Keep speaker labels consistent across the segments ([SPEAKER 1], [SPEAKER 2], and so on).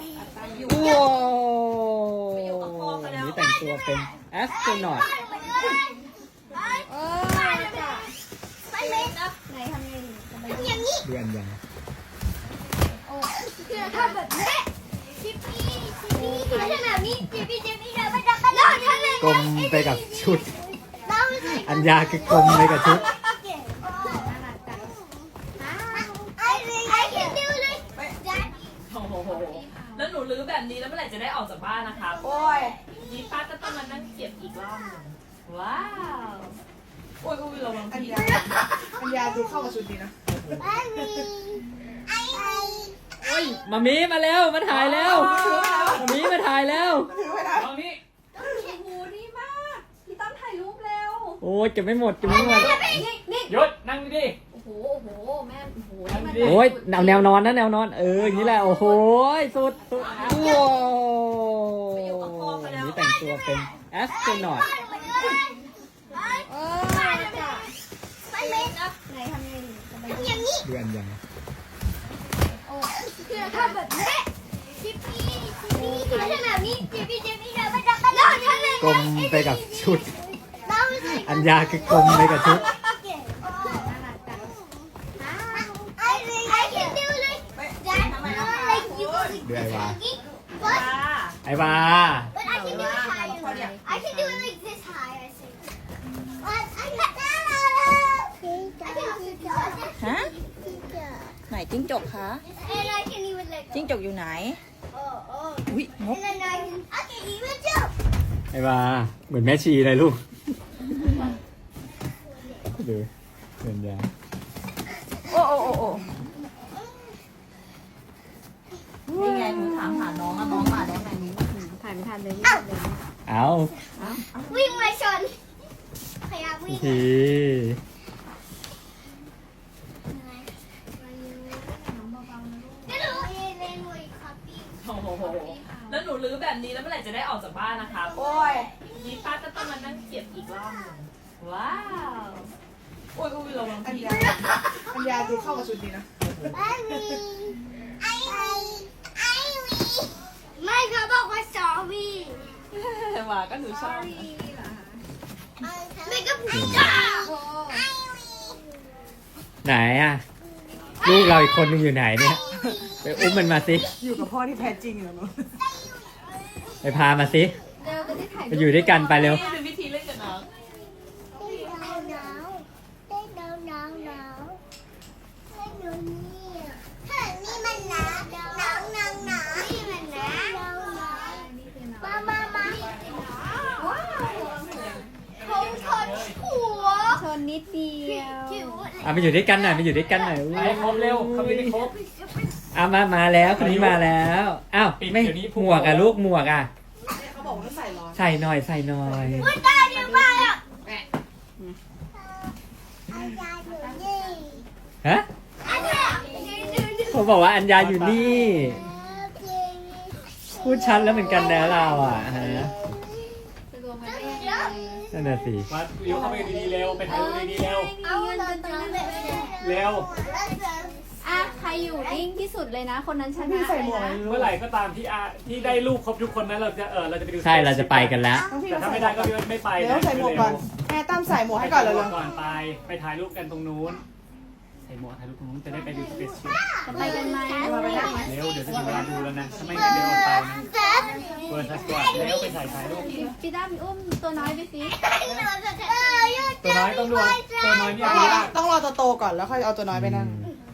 [SPEAKER 1] ว้าวนี่แต่งตัวเป็นแอสโตรนอต
[SPEAKER 2] ไหนทำยังไง
[SPEAKER 1] เดือนยัง
[SPEAKER 2] ทำแบบนี้ชิปปี้ไม่ใช่แบบนี้ชิปปี้เดินไปจับกันแล้วฉันเลย
[SPEAKER 1] กลมไปกับชุด อัญญาคือกลมไปกับชุด
[SPEAKER 2] I can do this
[SPEAKER 3] โอ้โหแล้วหนูรื้อแบบนี้แล้วเมื่อไหร่จะได้ออกจากบ้านนะคะโอ้ยนี่ป้าก็ต้องมานั่งเก็บอีกรอบหนึงว้าวโอ้ยระวัง
[SPEAKER 4] อัญ
[SPEAKER 3] พี่
[SPEAKER 4] ญาดูเข้ากับชุดดีนะ
[SPEAKER 1] โอ้ยมามีมาแล้วมาถ่ายแล้วมามีมาถ่ายแล้ว
[SPEAKER 4] ถือไว้นะ
[SPEAKER 3] ตอนนี้
[SPEAKER 2] โอ้โหดีมากพี่ตั้มถ่ายรูปเร็ว
[SPEAKER 1] โอ้ยเก็บไม่หมดเก็บไม่หมด
[SPEAKER 2] นี่
[SPEAKER 3] หยุดนั่งดิ
[SPEAKER 2] โอ้โหแม่โอ้โหนี่มัน
[SPEAKER 1] โอ้ยแนวนอนนะแนวนอนอย่างนี้แหละโอ้โหสุดว้าวนี่แต่งตัวเป็นแอสโตรนอต
[SPEAKER 2] ไหนทำยังไง
[SPEAKER 1] เดือนยัง
[SPEAKER 2] ทำแบบนี้ชิปปี้ไม่ใช่แบบนี้ชิปปี้เดินไปจับกันแล้วฉันเลย
[SPEAKER 1] กลมไปกับชุด อัญญาคือกลมไปกับชุด
[SPEAKER 2] I can do this
[SPEAKER 1] เดือนวา
[SPEAKER 3] ป้า
[SPEAKER 1] ไอ้วา
[SPEAKER 2] But I can do it higher. I can do it like this high, I think. But I can also do
[SPEAKER 5] ฮะ ไหนจิ้งจกคะ
[SPEAKER 2] And I can even like
[SPEAKER 5] จิ้งจกอยู่ไหน อุ้ยนก
[SPEAKER 2] And then I can even jump.
[SPEAKER 1] ไอ้วาเหมือนแม่ชีเลยลูกดูเดือนยา
[SPEAKER 5] โอ้นี่ไงหนูถามหาน้องอะน้องมาแล้วไงหนูถ่ายไม่ทันเลย
[SPEAKER 1] เอา
[SPEAKER 2] วิ่งมาชนขยับวิ่ง
[SPEAKER 1] ที
[SPEAKER 2] ก็รู้เล่นมวยคอปปี้
[SPEAKER 3] โอ้โหแล้วหนูรื้อแบบนี้แล้วเมื่อไหร่จะได้ออกจากบ้านนะคะโอ้ยนี่ป้าก็ต้องมานั่งเก็บอีกรอบหนึงว้าวโอ้ยระวัง
[SPEAKER 4] อัญ
[SPEAKER 3] พี่
[SPEAKER 4] ญาดูเข้ากับชุดดีนะ
[SPEAKER 2] ไม่เขาบอกว่า sorry
[SPEAKER 3] ว่าก็หนูชอบ
[SPEAKER 2] ไม่ก็ผิดอ่ะ
[SPEAKER 1] ไหนอะลูกเราอีกคนนึงอยู่ไหนเนี่ยไปอุ้มมันมาสิ
[SPEAKER 4] อยู่กับพ่อที่แท้จริงเหรอหนู
[SPEAKER 1] ไปพามาสิ
[SPEAKER 2] เดี๋ยวจะได้ถ่าย
[SPEAKER 1] ไปอยู่ด้วยกันไปเร็ว
[SPEAKER 3] นี่เป็นวิธีเล่นกับน้อง
[SPEAKER 2] หนาวให้ดูนี่ถ้านี่มันหนาวนี่มันหนาวมาว้าวผมชนหัว
[SPEAKER 5] ชนนิดเดียว
[SPEAKER 1] อ่ะมาอยู่ด้วยกันหน่อยมาอยู่ด้วยกันหน่อย
[SPEAKER 3] ไปครบเร็วเขาไม่ได้ครบ
[SPEAKER 1] มาแล้วคนนี้มาแล้วอ้าว
[SPEAKER 3] ปิด
[SPEAKER 1] ไม่
[SPEAKER 3] เดี๋ยวนี้
[SPEAKER 1] หมวกอะลูกหมวกอะ
[SPEAKER 4] เขาบอกว่าใส่ร้อน
[SPEAKER 1] ใส่หน่อยใส่หน่อย
[SPEAKER 2] มันได้เยอะมากอ่ะ
[SPEAKER 1] ฮะเขาบอกว่าอัญญาอยู่นี่พูดชัดแล้วเหมือนกันนะเราอะฮะนั่นน่ะสิ
[SPEAKER 3] มาเร็วเข้าไปดีๆเร็วไปถ่ายรูปดีๆเร็ว
[SPEAKER 2] เอาเงินตรงนั้นเลย
[SPEAKER 3] เร็ว
[SPEAKER 6] อ่ะใครอยู่นิ่งที่สุดเลยนะ คนนั้นช
[SPEAKER 4] พี่
[SPEAKER 6] นะ
[SPEAKER 4] ใส่หม
[SPEAKER 6] เล
[SPEAKER 4] วก
[SPEAKER 6] ยนะ
[SPEAKER 3] เมื่อไหร่ก็ตามที่ได้รูปครบทุกคนนั้นเราจะไปดู
[SPEAKER 1] ใช่เราจะไปกันแล้ว
[SPEAKER 4] น้องพี่
[SPEAKER 3] แต่
[SPEAKER 4] มา
[SPEAKER 3] ถ้า
[SPEAKER 4] ใส่
[SPEAKER 3] ไม่
[SPEAKER 4] หม
[SPEAKER 3] ได้
[SPEAKER 4] วก
[SPEAKER 3] ก็ไม่ไป
[SPEAKER 4] เดี๋ยวใส่หมวกก่อนแม่ตั้มใส่หมวกให้ก่อนเลย
[SPEAKER 3] ก่อนไปถ่ายรูปกันตรงนู้นใส่หมวกถ่ายรูปตรงนู้นจะได้ไปดูสเปซชิพ
[SPEAKER 6] จะไปกันไหม
[SPEAKER 3] เร็วเดี๋ยวจะถึงเวลาดูแล้วนะถ้าไม่งั้นเดี๋ยวอดตายนะเปิดทัสก่อนเร็วไปถ่ายรูป
[SPEAKER 6] พี่ตั้มอุ้มตัวน้อยไปสิ
[SPEAKER 3] ตัวน้อยต้องดูตัวน้อยเนี่ย
[SPEAKER 4] ต้องรอโตๆก่อนแล้วค่อยเอาตัวน้อยไปนั่ง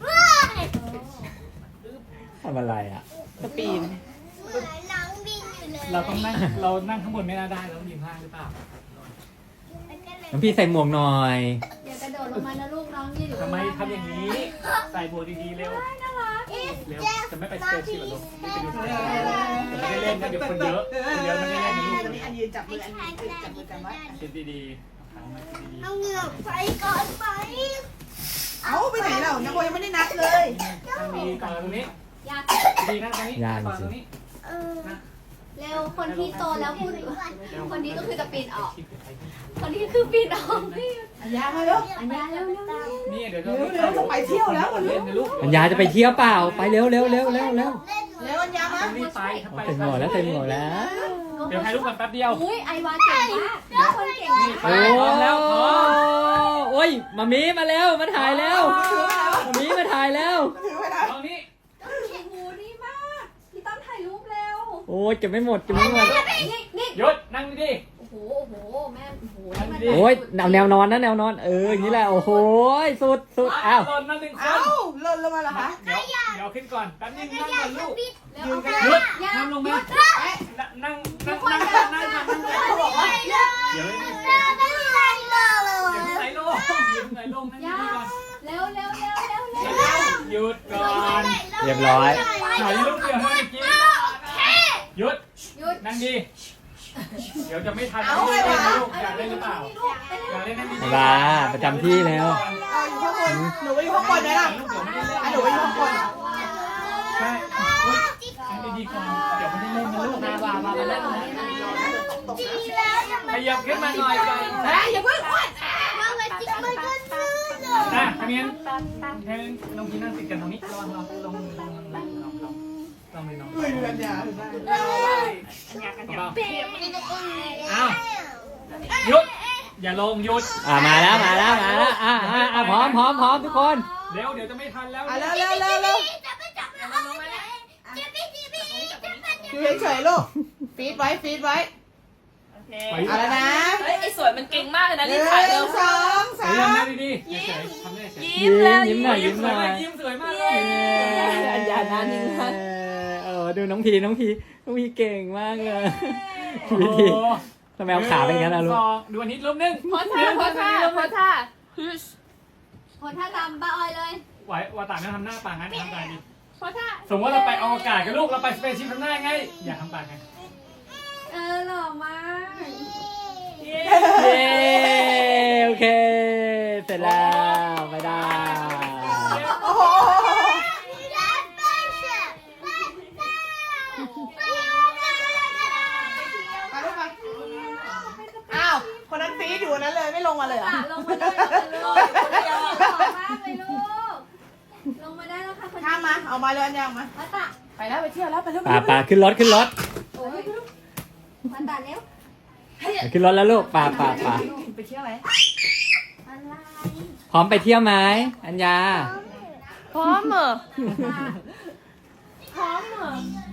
[SPEAKER 1] ทำอะไรอะ
[SPEAKER 4] สปีน
[SPEAKER 2] น้องบินอยู่เลย
[SPEAKER 3] เราต้องนั่งเรานั่งข้างบนไม่น่าได้เราต้องยืนข้างหรือเปล่า
[SPEAKER 1] น้องพี่ใส่หมวกหน่อย
[SPEAKER 6] อย่ากระโดดลงมานะลูกน้องยืนอยู่
[SPEAKER 3] ทำไมทำอย่างนี้ใส่หมวกดีๆเร็วเร็วจะไม่ไปสเปซชิพหรอกไม่ไปดูสเปซชิพไม่ได้เล่นนะเดี๋ยวคนเยอะคนเยอะไม่ได้เล่นนะลูก
[SPEAKER 4] อันนี้อันยืนจับมืออันยืนจับมือกันไว้
[SPEAKER 3] คิดดีๆขังมาคิดดี
[SPEAKER 2] เอาเหงือกไปก่อนไป
[SPEAKER 4] เอาไปไหนเรายังโบยังไม่ได้นัดเลย
[SPEAKER 3] ๆตั้งดีก่อนตรงนี้
[SPEAKER 6] อยาก
[SPEAKER 3] ดีนะตรงนี้ก่อนตรงนี้
[SPEAKER 2] เออ
[SPEAKER 6] เร็วคนที่โตแล้วพูดคนนี้ก็คือจะปีนออก คนนี้คือปีนออกพี่
[SPEAKER 4] อัญญามาเร็ว
[SPEAKER 6] อันยาเร็วเร็วเร็ว
[SPEAKER 1] นี่เดี๋ยว
[SPEAKER 4] เร็วเร็วจะไปเที่ยวแล้ว
[SPEAKER 1] เล่นนะลูกอัญญาจะไปเที่ยวเปล่าไปเร็วเร็วเร็วเร็วเร็ว
[SPEAKER 4] เร็วอัญญามา
[SPEAKER 1] รีบไปเต็มหัวแล้วเต็มหัวแล้ว เดี๋ยวให้ลูกกันแป๊บเดียว
[SPEAKER 6] อุ้ยไอวาเก่งมากคนเก่งมาก
[SPEAKER 1] โอ้แล้วโอ้ยมามีมาแล้วมาถ่ายแล้วมามีมาถ่ายแล้ว
[SPEAKER 4] ถือไว้นะ
[SPEAKER 1] ตอนนี้
[SPEAKER 6] โอ้โหดีมากพี่ต้อมถ่ายรูปเร็ว
[SPEAKER 1] โอ้ยเก็บไม่หมดเก็บไม่หมด
[SPEAKER 6] นี่
[SPEAKER 1] หยุดนั่งดิ
[SPEAKER 6] โอ้โหโอ้โหแม่โอ้โหนี่มัน
[SPEAKER 1] โอ้ยแนวนอนนะแนวนอนอย่างนี้แหละโอ้โหสุดสุดอ้าว
[SPEAKER 3] หล่นมาหนึ่งค
[SPEAKER 4] เอ้าน หล่นลงมาเหรอคะ
[SPEAKER 3] เดี๋ยวขึ้นก่อนแป๊บนึงนั่งก่อนลูก
[SPEAKER 4] ยืนกัน
[SPEAKER 3] หยุด
[SPEAKER 6] ยา
[SPEAKER 3] นั่งลงมานั่ง
[SPEAKER 4] เขาบอกว่า
[SPEAKER 3] เดี๋ยวไหนลงนั่งดีก่อน
[SPEAKER 6] เร็วเร็วเร็วเร็วเร็ว
[SPEAKER 3] หยุดก่อน
[SPEAKER 1] เรียบร้อย
[SPEAKER 3] ถ่ายรูปเดียวให้กินหยุด
[SPEAKER 6] หยุด
[SPEAKER 3] นั่งดีเดี๋ยวจะไม่ทันลูกอยากเล่นหรือเปล่าอยากเล่นนั่งดี
[SPEAKER 1] ลาประจำที่แล้ว
[SPEAKER 4] เอาอยู่ข้างบนหนูไปอยู่ข้างบนไหมล่ะอ่ะหนูไปอยู่ข้างบน
[SPEAKER 3] ใช่นั่งดีๆก่อนเดี๋ยวไม่ได้เล่นนะลูกนะว่ามาเล่นขยับขึ้นมาหน่อยก่อน
[SPEAKER 4] อย่าเพิ่งอ้วน
[SPEAKER 3] นะทำยังแทนน้องพีนั่งติดกันตรงนี้ลองเลยน้อง
[SPEAKER 4] อุ้ยอัญญา
[SPEAKER 3] อ้าวหยุดอย่าลงหยุด
[SPEAKER 1] มาแล้วพร้อมทุกคน
[SPEAKER 3] เร็วเดี๋ยวจะไม่ทันแล้ว
[SPEAKER 4] อ่ะเร็วเร็วเร็วเร็วอยู่เฉยๆลูกฟีดไว้ฟีดไว้เอาแล้วนะ
[SPEAKER 3] เฮ้ยไอ้สวยมันเก่งมากเลยนะ
[SPEAKER 4] ห
[SPEAKER 3] รี
[SPEAKER 4] นึ่
[SPEAKER 3] บถ่ายเร็ว
[SPEAKER 4] งสองสา
[SPEAKER 3] เฮ้ย
[SPEAKER 4] ม
[SPEAKER 3] ทำได้ดีๆเฉยๆทำได้เฉย
[SPEAKER 1] ยิ้มหน่อยยิ้มหน่อย
[SPEAKER 3] ยิ้มสวยมากเลย
[SPEAKER 1] อัญญาหน้านิ่งมากดูน้องพีเก่งมากเลย
[SPEAKER 3] โอ้
[SPEAKER 1] พี
[SPEAKER 3] โห
[SPEAKER 1] ทีทำไมเอาขาเป็นอย่างนั้นล่ะลูก
[SPEAKER 3] ดูอันนี้รูปนึง
[SPEAKER 6] โพสท่าโพสท่าโพสท่าโพสท่าตามป้าออยเลย
[SPEAKER 3] ไหวว่าต่างกันทำหน้าปากงั้นทำตาดิ
[SPEAKER 6] โพสท่า
[SPEAKER 3] สมมติว่าเราไปอวกาศกับลูกเราไปสเปซชิพทำหน้าไงอย่าทำปากไง
[SPEAKER 6] หล่อมาก
[SPEAKER 1] เย้โอเค เสร็จแล้วไม่ได้
[SPEAKER 4] โอ้โหมาลูกมาอ้าวคนนั้นฟีดอยู่นั้นเลยไม่ลงมาเลยเหรอ
[SPEAKER 6] ลงมาได้แล้วลูกหล่อมากเลยลูกลงมาได้แล้วค่ะคน
[SPEAKER 4] ข้ามมาเอามาเลยอัญญามา
[SPEAKER 6] มาตะ
[SPEAKER 4] ไปแล้วไปเที่ยวแล้วไปเร็ว
[SPEAKER 1] ป่าขึ้นรถ
[SPEAKER 6] โอ้ยมาตะเร็ว
[SPEAKER 1] ขึ้นรถแล้วลูกป่า
[SPEAKER 4] ไปเที่ยวไหม
[SPEAKER 6] อะไร
[SPEAKER 1] พร้อมไปเที่ยวไหมอัญญา
[SPEAKER 3] พร้อมเหรอ
[SPEAKER 6] พร้อมเหรอ